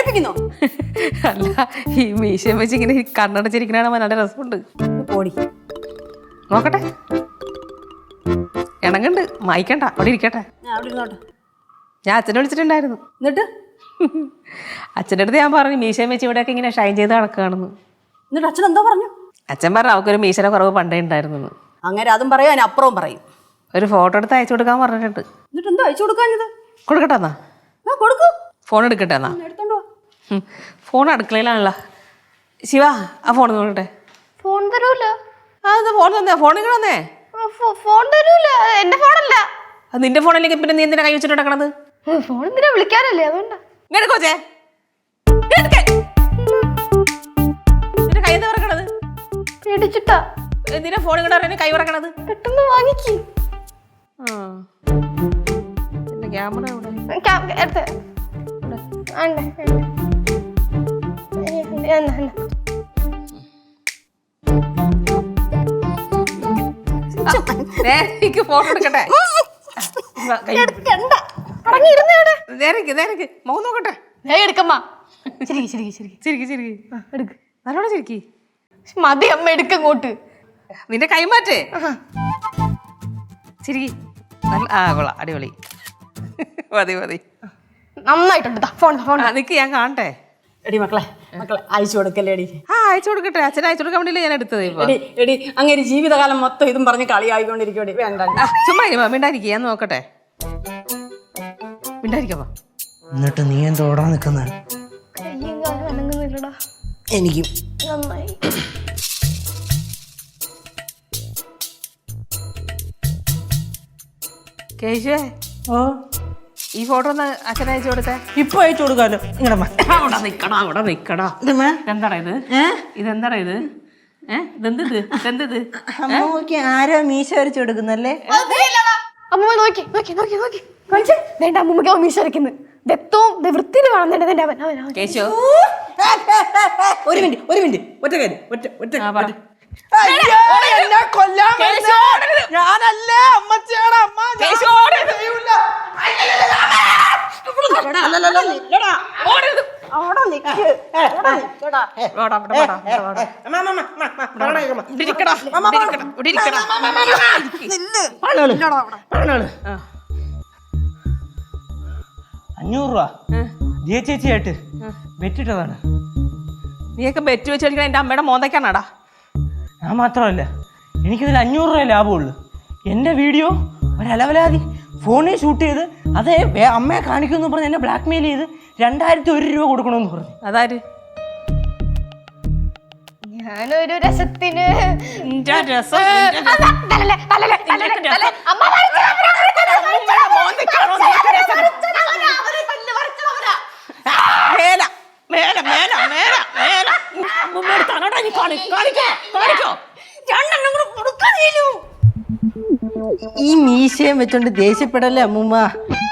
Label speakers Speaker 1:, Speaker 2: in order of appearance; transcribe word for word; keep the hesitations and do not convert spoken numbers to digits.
Speaker 1: പഠിപ്പിക്കുന്നോ?
Speaker 2: അല്ല, ഈ മീശയും വെച്ച് ഇങ്ങനെ കണ്ണടച്ചിരിക്കണ നല്ല രസമുണ്ട്.
Speaker 1: പോടി
Speaker 2: നോക്കട്ടെ, ഇണങ്ങണ്ട്, മായിക്കണ്ട, അവിടെ ഇരിക്കട്ടെ.
Speaker 1: അവിടെ ഇരുന്നോട്ടെ.
Speaker 2: ഞാൻ അച്ഛനെ വിളിച്ചിട്ടുണ്ടായിരുന്നു.
Speaker 1: എന്നിട്ട്
Speaker 2: അച്ഛൻ്റെ അടുത്ത് ഞാൻ പറഞ്ഞു മീശയും വെച്ച് ഇവിടെയൊക്കെ ഇങ്ങനെ ഷൈൻ ചെയ്ത് നടക്കുകയാണെന്ന്.
Speaker 1: എന്നിട്ട് അച്ഛൻ എന്താ പറഞ്ഞു?
Speaker 2: അച്ഛൻ പറഞ്ഞു അവൾക്കൊരു മീശയുടെ കുറവ് പണ്ടേ ഉണ്ടായിരുന്നു.
Speaker 1: അങ്ങനെ അതും പറയും, അതിന് അപ്പുറവും പറയും.
Speaker 2: ഒരു ഫോട്ടോ എടുത്ത് അയച്ചു കൊടുക്കാൻ പറഞ്ഞിട്ടുണ്ട്.
Speaker 1: എന്നിട്ട് എന്താ അയച്ചു കൊടുക്കാഞ്ഞത്?
Speaker 2: കൊടുക്കട്ടെ എന്നാ?
Speaker 1: കൊടുക്കൂ.
Speaker 2: ഫോൺ എടുക്കട്ടെ എന്നാ?
Speaker 1: എടുത്തോണ്ടോ.
Speaker 2: ഫോൺ അടുക്കളയിലാണല്ലോ. ശിവ, ആ ഫോൺ നോക്കട്ടെ.
Speaker 3: ഫോൺ തരൂല.
Speaker 2: ആ ഫോൺ തന്നേ, ഫോൺ ഇങ്ങനെ തന്നേ.
Speaker 3: ഫോൺ തരൂല, എന്റെ ഫോണല്ല.
Speaker 2: അത് നിന്റെ ഫോണിലേക്ക് പിന്നെ നീ എന്തിനാ കൈ വെച്ചിട്ട് നടക്കണത്?
Speaker 3: ഫോൺ എന്തിനാ വിളിക്കാനല്ലേ, അതുകൊണ്ടാ.
Speaker 2: ഇങ്ങനെ കോച്ചേ നിന്റെ കൈ എന്താ പറക്കണത്?
Speaker 3: പേടിച്ചിട്ടാ.
Speaker 2: എന്തിനാ ഫോൺ ഇങ്ങനെ കൈ പറക്കണത്?
Speaker 3: പെട്ടെന്ന് വാങ്ങിക്ക്.
Speaker 2: ക്യാമറ ഇവിടെ. ഫോട്ടോ എടുക്കട്ടെ. മുഖം നോക്കട്ടെ.
Speaker 3: ശരിക്ക് ശരിക്ക് ശരിക്ക്
Speaker 2: ചിരിക്കി ചിരിക്കി
Speaker 3: എടുക്ക്.
Speaker 2: നല്ലോണം ചിരിക്കി.
Speaker 3: മതി അമ്മ, എടുക്കങ്ങോട്ട്.
Speaker 2: നിന്റെ കൈ മാറ്റേ. ചിരിക്കി. ആ കൊള്ളാം, അടിപൊളി. മതി മതി,
Speaker 3: നന്നായിട്ടുണ്ട്. ഫോൺ ഫോൺ
Speaker 2: നിക്ക്, ഞാൻ കാണട്ടെ.
Speaker 1: എടി മക്കളെ മക്കളെ അയച്ചു കൊടുക്കല്ലേ എടി.
Speaker 2: ആ അയച്ചു കൊടുക്കട്ടെ, അച്ഛനെ അയച്ചു കൊടുക്കാൻ വേണ്ടിയില്ലേ ഞാൻ എടുത്തത്. ഇപ്പൊ
Speaker 1: എടി എടി അങ്ങനെ ജീവിതകാലം മൊത്തം ഇതും പറഞ്ഞ് കളിയായിക്കൊണ്ടിരിക്കും. വേണ്ട,
Speaker 2: ചുമ്മാ ഇരുമ മിണ്ടായിരിക്കും, ഞാൻ നോക്കട്ടെ. മിണ്ടായിരിക്കപ്പാ.
Speaker 4: എന്നിട്ട് നീ എന്താ ഓടാൻ നിക്കുന്ന?
Speaker 3: കയ്യും കാലും അനങ്ങുന്നില്ലടാ.
Speaker 4: എനിക്കും
Speaker 3: നന്നായി.
Speaker 2: കേശുവേ,
Speaker 4: ഓ
Speaker 2: ഈ ഫോട്ടോ ഒന്ന് അച്ഛനെ അയച്ചു കൊടുത്തേ.
Speaker 4: ഇപ്പൊ അയച്ചു കൊടുക്കാലോ. ഇങ്ങടെ
Speaker 2: അവിടെ നിക്കടാ, അവിടെ നിക്കടാ. ഇതെന്താടാ ഇത്? ഇതെന്താടാ ഇത്? ഏഹ് ഇതെന്തത് ഇതെന്തത്?
Speaker 4: അമ്മക്ക് ആരോ മീശ വരച്ചു കൊടുക്കുന്നല്ലേ?
Speaker 3: അമ്മ നോക്കി നോക്കി നോക്കി നോക്കി കാണിച്ചേ. വേണ്ട, അമ്മൂമ്മക്ക് അവൻ മീശ വരയ്ക്കുന്നു. ദത്തവും വൃത്തിയിൽ കാണുന്നുണ്ട് എന്റെ അവൻ അവൻ അവൻ.
Speaker 2: കേശു,
Speaker 4: ഒരു മിനിറ്റ് ഒരു മിനിറ്റ് ഒറ്റ കാര്യം ഒറ്റ ഒറ്റ
Speaker 2: ആ പറ.
Speaker 4: ഞാനല്ലേ അമ്മച്ചിയാണ് അമ്മ.
Speaker 2: കേശു, ഓടരുത്.
Speaker 1: അവിടെ നിക്ക്. അവിടെ നിക്കടാ.
Speaker 2: വാടാ, ഇവിടെ വാടാ, ഇവിടെ വാടാ. ഇവിടെ ഇരിക്കടാ, ഇവിടെ ഇരിക്കടാ, ഇവിടെ ഇരിക്കടാ.
Speaker 4: അഞ്ഞൂറ് രൂപ ജിയ ചേച്ചിയായിട്ട് വെറ്റിട്ടതാണ്.
Speaker 2: നീയൊക്കെ ബെറ്റ് വെച്ച് കളിക്കണ എന്റെ അമ്മയുടെ മോന്തയ്ക്കാണാടാ.
Speaker 4: ഞാൻ മാത്രമല്ല, എനിക്കിതിൽ അഞ്ഞൂറ് രൂപ ലാഭമുള്ളൂ. എൻ്റെ വീഡിയോ ഒരലവലാതി ഫോണിൽ ഷൂട്ട് ചെയ്ത് അതേ അമ്മയെ കാണിക്കുമെന്ന് പറഞ്ഞ് എന്നെ ബ്ലാക്ക് മെയിൽ ചെയ്ത് രണ്ടായിരത്തി ഒരു രൂപ കൊടുക്കണമെന്ന് പറഞ്ഞു.
Speaker 2: അതാര്?
Speaker 3: ഞാനൊരു രസത്തിന്
Speaker 2: രസം
Speaker 4: ഈ മീശയും വെച്ചോണ്ട് ദേഷ്യപ്പെടല്ലേ അമ്മൂമ്മ.